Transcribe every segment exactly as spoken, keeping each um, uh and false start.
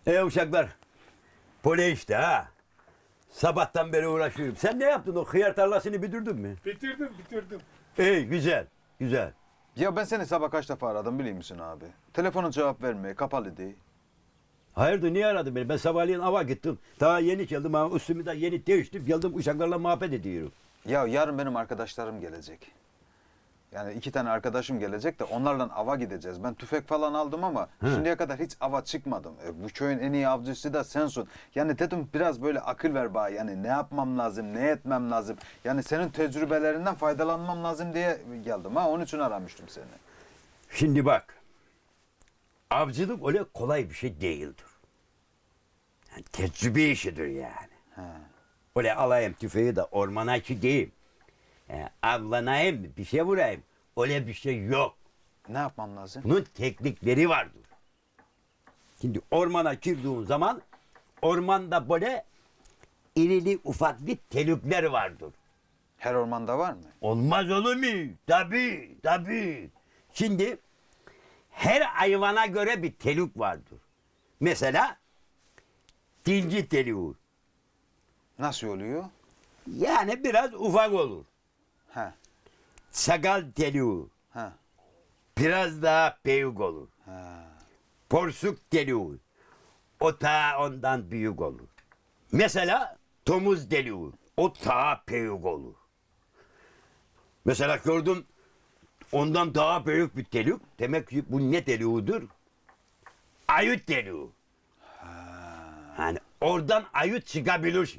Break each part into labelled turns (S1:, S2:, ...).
S1: E uşaklar. Pole işte ha. Sabahtan beri uğraşıyorum. Sen ne yaptın? O hıyar tarlasını bitirdin mi?
S2: Bitirdim bitirdim.
S1: İyi güzel. Güzel.
S3: Ya ben seni sabah kaç defa aradım biliyor musun abi? Telefonun cevap vermiyor, kapalı değil.
S1: Hayırdır niye aradın beni? Ben sabahleyin ava gittim. Daha yeni geldim ama üstümü de yeni değiştim. Geldim uşaklarla muhabbet ediyorum.
S3: Ya yarın benim arkadaşlarım gelecek. Yani iki tane arkadaşım gelecek de onlarla ava gideceğiz. Ben tüfek falan aldım ama
S1: Hı.
S3: şimdiye kadar hiç ava çıkmadım. E, bu köyün en iyi avcısı da sensin. Yani dedim biraz böyle akıl ver bana. Yani ne yapmam lazım, ne etmem lazım. Yani senin tecrübelerinden faydalanmam lazım diye geldim ha. Onun için aramıştım seni.
S1: Şimdi bak. Avcılık öyle kolay bir şey değildir. Yani tecrübe işidir yani.
S3: He.
S1: Öyle alayım tüfeği de ormana gideyim. E, avlanayım bir şey vurayım. Öyle bir şey yok.
S3: Ne yapmam lazım?
S1: Bunun teknikleri vardır. Şimdi ormana girdiğin zaman ormanda böyle irili ufaklı telükler vardır.
S3: Her ormanda var mı?
S1: Olmaz olur mu? Tabii, tabii. Şimdi her hayvana göre bir telük vardır. Mesela dinci telüğü.
S3: Nasıl oluyor?
S1: Yani biraz ufak olur.
S3: He.
S1: Sakal telüğü.
S3: He.
S1: Biraz daha büyük olur.
S3: He.
S1: Porsuk telüğü. O ta ondan büyük olur. Mesela domuz telüğü. O ta büyük olur. Mesela gördüm ondan daha büyük bir telük. Demek ki bu ne telüğüdür? Ayıt telüğü. Yani oradan ayıt çıkabilir.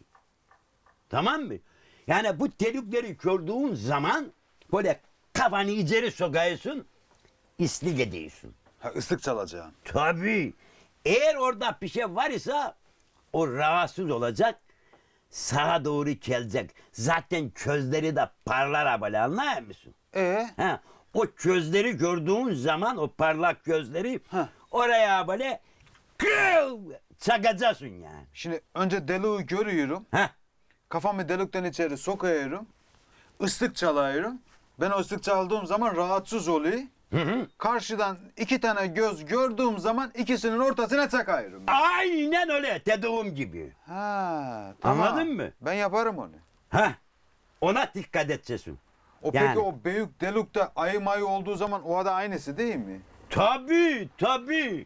S1: Tamam mı? Yani bu telükleri gördüğün zaman böyle kafanı içeri sokuyorsun, islik ediyorsun.
S3: Ha, ıslık çalacağım.
S1: Tabii. Eğer orada bir şey var ise o rahatsız olacak, sağa doğru gelecek. Zaten gözleri de parlar böyle anlar mısın?
S3: Ee?
S1: Ha, o gözleri gördüğün zaman o parlak gözleri
S3: Heh.
S1: oraya böyle kıv çakacaksın yani.
S3: Şimdi önce deliği görüyorum.
S1: Ha,
S3: Kafamı delikten içeri sokuyorum. Islık çalıyorum. Ben o ıslık çaldığım zaman rahatsız oluyor.
S1: hı hı.
S3: Karşıdan iki tane göz gördüğüm zaman ikisinin ortasına çakıyorum.
S1: Aynen öyle dediğim gibi.
S3: Ha, tamam.
S1: Anladın mı?
S3: Ben yaparım onu.
S1: Ha, ona dikkat edeceksin.
S3: O
S1: Yani.
S3: peki o büyük delikte ayı mayı olduğu zaman o da aynısı değil mi?
S1: Tabii, tabii.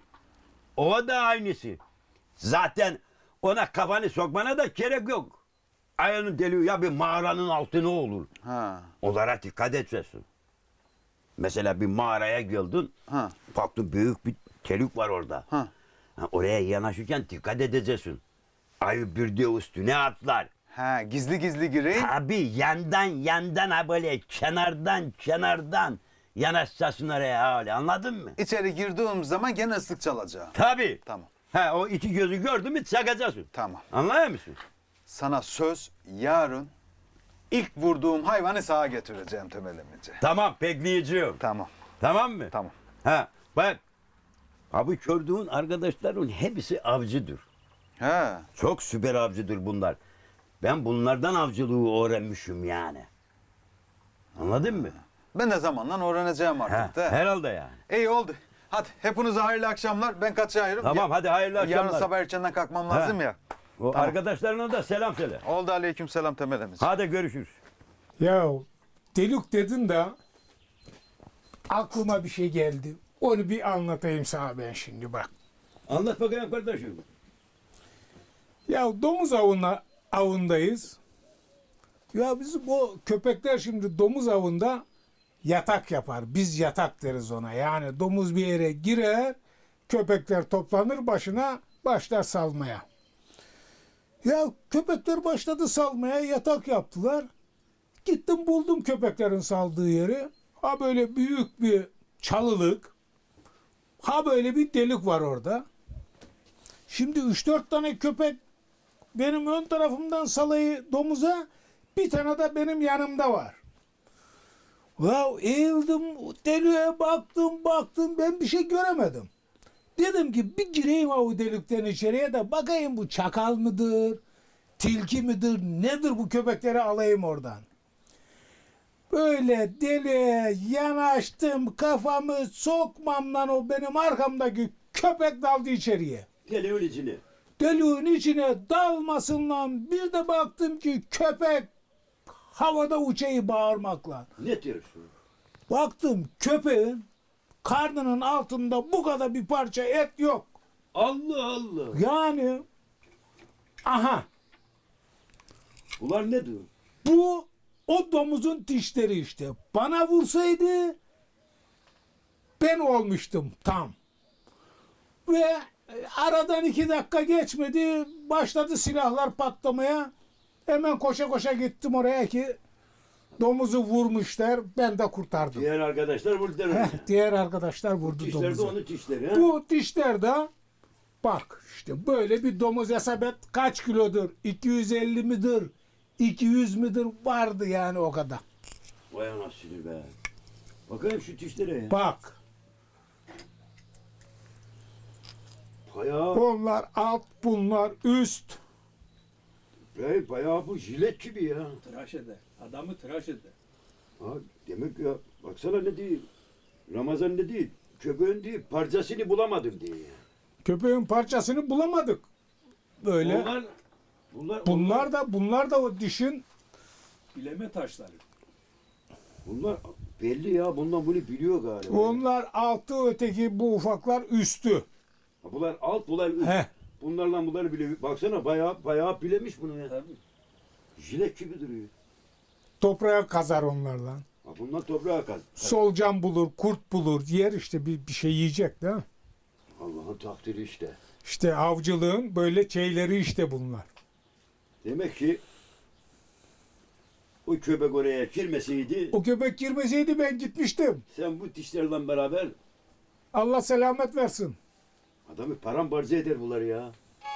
S1: O da aynısı. Zaten ona kafanı sokmana da gerek yok. Ayağının deliği ya bir mağaranın altına olur.
S3: Ha.
S1: Onlara dikkat edeceksin. Mesela bir mağaraya geldin,
S3: Ha.
S1: baktın büyük bir telik var orada.
S3: Ha.
S1: Ha, oraya yanaşırken dikkat edeceksin. Ayı bir de üstüne atlar.
S3: Ha, gizli gizli gireyim.
S1: Tabii yandan yandan ha böyle kenardan kenardan yanaşacaksın oraya öyle anladın mı?
S3: İçeri girdiğim zaman gene ıslık çalacağım.
S1: Tabii.
S3: Tamam.
S1: Ha o iki gözü gördün mü çakacaksın.
S3: Tamam.
S1: Anlıyor musun?
S3: Sana söz yarın ilk vurduğum hayvanı sağa getireceğim temelimize.
S1: Tamam bekleyeceğim.
S3: Tamam.
S1: Tamam mı?
S3: Tamam.
S1: Ha bak. Abi gördüğün arkadaşların hepsi avcıdır.
S3: He.
S1: Çok süper avcıdır bunlar. Ben bunlardan avcılığı öğrenmişim yani. Anladın mı?
S3: Ben de zamanla öğreneceğim
S1: Ha,
S3: artık da.
S1: herhalde yani.
S3: İyi oldu. Hadi hepinize hayırlı akşamlar. Ben kaçıyorum.
S1: Tamam hadi hayırlı akşamlar.
S3: Yarın sabah erkenden kalkmam lazım
S1: Ha.
S3: ya.
S1: O
S3: Tamam.
S1: arkadaşlarına da selam söyle.
S3: Oldu, aleyküm selam temelimiz.
S1: Hadi görüşürüz.
S2: Ya delik dedin de aklıma bir şey geldi. Onu bir anlatayım sana ben şimdi bak.
S1: Anlat bakayım kardeşim.
S2: Ya domuz avına, avındayız. Ya bizim o köpekler şimdi domuz avında yatak yapar. Biz yatak deriz ona. Yani domuz bir yere girer, köpekler toplanır başına, başlar salmaya. Ya köpekler başladı salmaya, yatak yaptılar. Gittim buldum köpeklerin saldığı yeri. Ha böyle büyük bir çalılık. Ha böyle bir delik var orada. Şimdi üç dört tane köpek benim ön tarafımdan salayı domuza, bir tane de benim yanımda var. Ya eğildim, deliğe baktım, baktım, ben bir şey göremedim. Dedim ki bir gireyim o delikten içeriye de bakayım bu çakal mıdır, tilki midir, nedir bu köpekleri alayım oradan. Böyle deliğe yanaştım, kafamı sokmamdan o benim arkamdaki köpek daldı içeriye.
S1: Deliğin içine.
S2: Deliğin içine dalmasın lan. Bir de baktım ki köpek havada uçayı bağırmakla.
S1: Ne diyorsun?
S2: Baktım köpeğin karnının altında bu kadar bir parça et yok.
S1: Allah Allah.
S2: Yani aha
S1: Bunlar ne diyor?
S2: bu o domuzun dişleri işte. Bana vursaydı ben olmuştum tam. Ve e, aradan iki dakika geçmedi. Başladı silahlar patlamaya. Hemen koşa koşa gittim oraya ki domuzu vurmuşlar. Ben de kurtardım.
S1: Diğer arkadaşlar vurdular onu.
S2: Heh, diğer arkadaşlar vurdu
S1: Dişler de
S2: domuzu.
S1: onun dişleri. Ha?
S2: Bu dişler de bak işte böyle bir domuz hesap et kaç kilodur? iki yüz elli midir? iki yüz midir? Vardı yani o kadar.
S1: Vay anasını be. Bakayım şu dişlere ya.
S2: Bak
S1: Bayağı,
S2: onlar alt bunlar üst.
S1: be, bayağı bu jilet gibi ya.
S4: Tıraş eder. Adamı tıraş eder.
S1: Ha, demek ya baksana ne değil. Ramazan ne değil. Köpeğin değil parçasını bulamadım diye ya.
S2: Köpeğin parçasını bulamadık. Böyle.
S1: Bunlar, bunlar,
S2: Bunlar da bunlar da o dişin
S4: Bileme taşları.
S1: bunlar belli ya. Bundan bunu biliyor galiba.
S2: onlar altı öteki bu ufaklar üstü.
S1: Ha, bunlar alt, bunlar üst.
S2: Heh.
S1: Bunlarla bunları biliyor. Baksana bayağı bayağı bilemiş bunu ya.
S4: Tabii.
S1: Jilet gibi duruyor.
S2: Toprağa kazar onlarla.
S1: Ha, bundan toprağa kaz.
S2: Solucan bulur, kurt bulur, yer işte bir, bir şey yiyecek değil mi?
S1: Allah'ın takdiri işte.
S2: İşte avcılığın böyle şeyleri işte bunlar.
S1: Demek ki o köpek oraya girmeseydi
S2: O köpek girmeseydi ben gitmiştim.
S1: sen bu dişlerle beraber
S2: Allah selamet versin.
S1: adamı paramparça eder bunlar ya.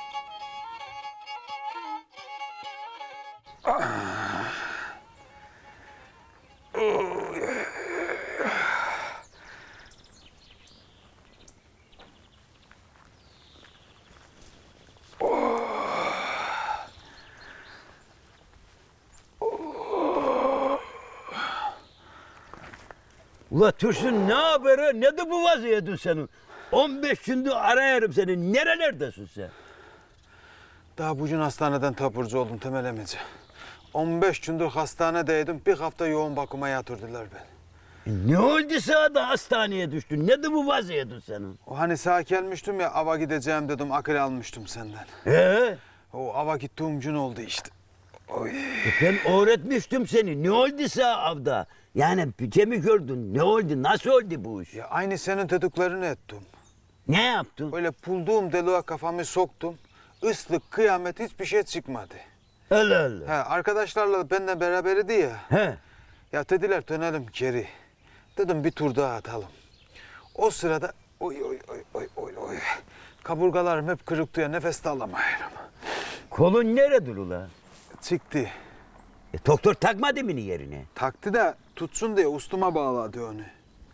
S1: Ula Tursun ne haberi? Ne de bu vaziyetin senin? on beş gündür arayarım seni. Nerelerdesin sen?
S3: Daha bugün hastaneden taburcu oldum Temel emici. on beş gündür hastanedeydim. Bir hafta yoğun bakıma yatırdılar beni.
S1: Ne oldu sana da hastaneye düştün? Ne de bu vaziyetin senin?
S3: O hani sağ gelmiştim ya ava gideceğim dedim akıl almıştım senden.
S1: Ee?
S3: O ava gittiğim gün oldu işte. Oy.
S1: Ben öğretmiştim seni. Ne oldu sana avda? Yani bir mi gördün? Ne oldu? Nasıl oldu bu iş?
S3: Ya aynı senin dediklerini ettim.
S1: Ne yaptın?
S3: Böyle bulduğum deliğe kafamı soktum. Islık, kıyamet hiçbir şey çıkmadı.
S1: Allah Allah.
S3: He, arkadaşlarla benimle beraberdi ya.
S1: He.
S3: Ya dediler dönelim geri. Dedim bir tur daha atalım. O sırada oy oy oy oy oy oy. Kaburgalarım hep kırıktı ya nefes de alamıyorum.
S1: Kolun nerede ula?
S3: Çıktı.
S1: E, doktor takmadı mı yerine?
S3: Taktı da tutsun diye ustuma bağladı onu.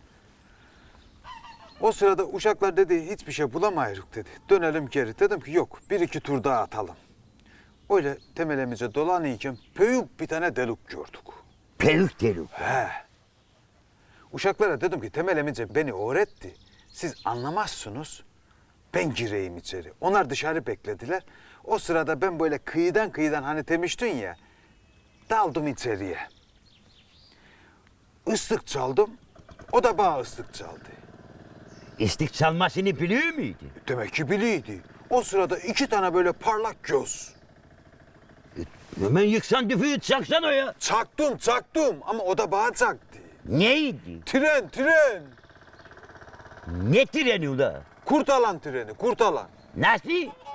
S3: O sırada uşaklar dedi hiçbir şey bulamayırız dedi. Dönelim geri. Dedim ki yok bir iki tur daha atalım. Öyle temelimize dolanırken büyük bir tane delik gördük.
S1: Peruk delik.
S3: He. Uşaklara dedim ki Temel emice beni öğretti. Siz anlamazsınız. Ben gireyim içeri. Onlar dışarı beklediler. O sırada ben böyle kıyıdan kıyıdan hani demiştin ya. Daldım içeriye. Islık çaldım. O da bana ıslık çaldı.
S1: İstik çalmasını biliyor muydu?
S3: Demek ki biliydi. O sırada iki tane böyle parlak göz.
S1: Hemen yıksan düfüğü çaksan o ya.
S3: Çaktım çaktım ama o da bana çaktı.
S1: Neydi?
S3: Tren tren.
S1: Ne treni ula?
S3: Kurtalan treni kurtalan.
S1: Nasıl?